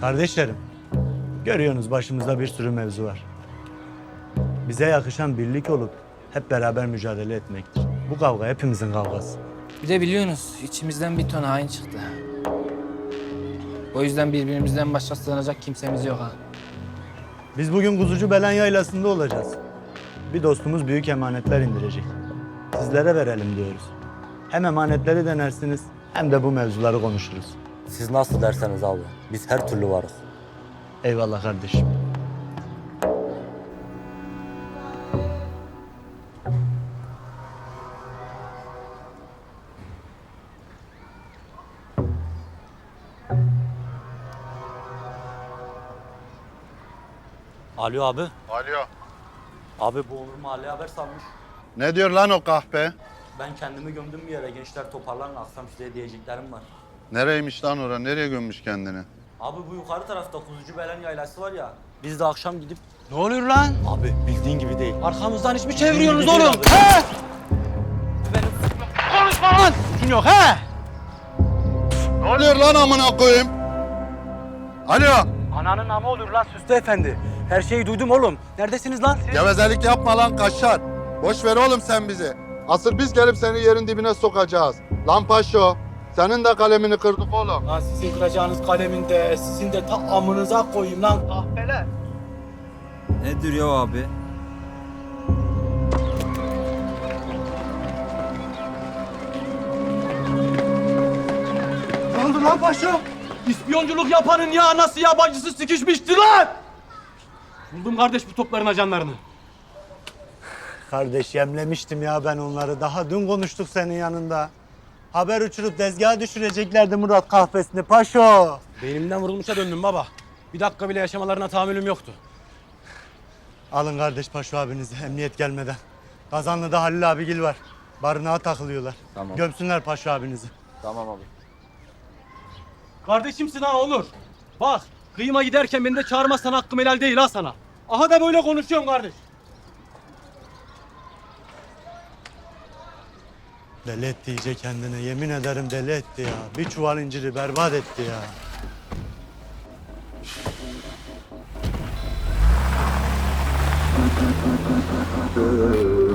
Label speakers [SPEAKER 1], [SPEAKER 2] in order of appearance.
[SPEAKER 1] Kardeşlerim, görüyorsunuz başımızda bir sürü mevzu var. Bize yakışan birlik olup hep beraber mücadele etmektir. Bu kavga hepimizin kavgası.
[SPEAKER 2] Bir de biliyorsunuz içimizden bir ton hain çıktı. O yüzden birbirimizden başka sığınacak kimsemiz yok ha.
[SPEAKER 1] Biz bugün Kuzucu Belen Yaylası'nda olacağız. Bir dostumuz büyük emanetler indirecek. Sizlere verelim diyoruz. Hem emanetleri denersiniz hem de bu mevzuları konuşuruz.
[SPEAKER 3] Siz nasıl derseniz abi. Biz her türlü varız.
[SPEAKER 1] Eyvallah kardeşim.
[SPEAKER 3] Alo abi.
[SPEAKER 4] Alo.
[SPEAKER 3] Abi bu Onur mahalleye haber salmış.
[SPEAKER 4] Ne diyor lan o kahpe?
[SPEAKER 3] Ben kendimi gömdüm bir yere. Gençler toparlanın. Akşam size diyeceklerim var.
[SPEAKER 4] Nereymiş lan ora? Nereye gömmüş kendini?
[SPEAKER 3] Abi bu yukarı tarafta Kuzucu Belen Yaylası var ya. Biz de akşam gidip...
[SPEAKER 5] Ne oluyor lan?
[SPEAKER 3] Abi bildiğin gibi değil.
[SPEAKER 5] Arkamızdan iş mi çeviriyorsunuz
[SPEAKER 3] Bildiğin
[SPEAKER 5] oğlum?
[SPEAKER 3] gibi değil
[SPEAKER 5] He?
[SPEAKER 3] Benim...
[SPEAKER 5] Konuşma lan! Suçun yok he?
[SPEAKER 4] Ne oluyor lan amına koyayım? Alo.
[SPEAKER 5] Ananın amı olur lan Süslü Efendi. Her şeyi duydum oğlum. Neredesiniz lan siz?
[SPEAKER 4] Gevezelik yapma lan kaşar. Boş ver oğlum sen bizi. Asıl biz gelip seni yerin dibine sokacağız. Lan paşo. Senin de kalemini kırdık oğlum.
[SPEAKER 5] Lan sizin kıracağınız kaleminde, sizin de ta amınıza koyayım lan kahpeler.
[SPEAKER 6] Nedir ya abi?
[SPEAKER 5] Ne oldu lan paşa? İspiyonculuk yapanın ya anası yabancısı sıkışmıştı lan! Buldum kardeş bu topların ajanlarını.
[SPEAKER 1] Kardeş yemlemiştim ya ben onları. Daha dün konuştuk senin yanında. Haber uçurup tezgaha düşüreceklerdi Murat kahvesini paşo.
[SPEAKER 5] Beynimden vurulmuşa döndüm baba. Bir dakika bile yaşamalarına tahammülüm yoktu.
[SPEAKER 1] Alın kardeş paşo abinizi emniyet gelmeden. Kazanlı'da Halil abigil var. Barınağa takılıyorlar.
[SPEAKER 3] Tamam.
[SPEAKER 1] Gömsünler paşo abinizi.
[SPEAKER 3] Tamam abi.
[SPEAKER 5] Kardeşimsin ha olur. Bak kıyıma giderken beni de çağırmazsan hakkım helal değil ha sana. Aha da böyle konuşuyorum kardeş.
[SPEAKER 1] Deli etti iyice kendini. Yemin ederim deli etti ya. Bir çuval inciri berbat etti ya.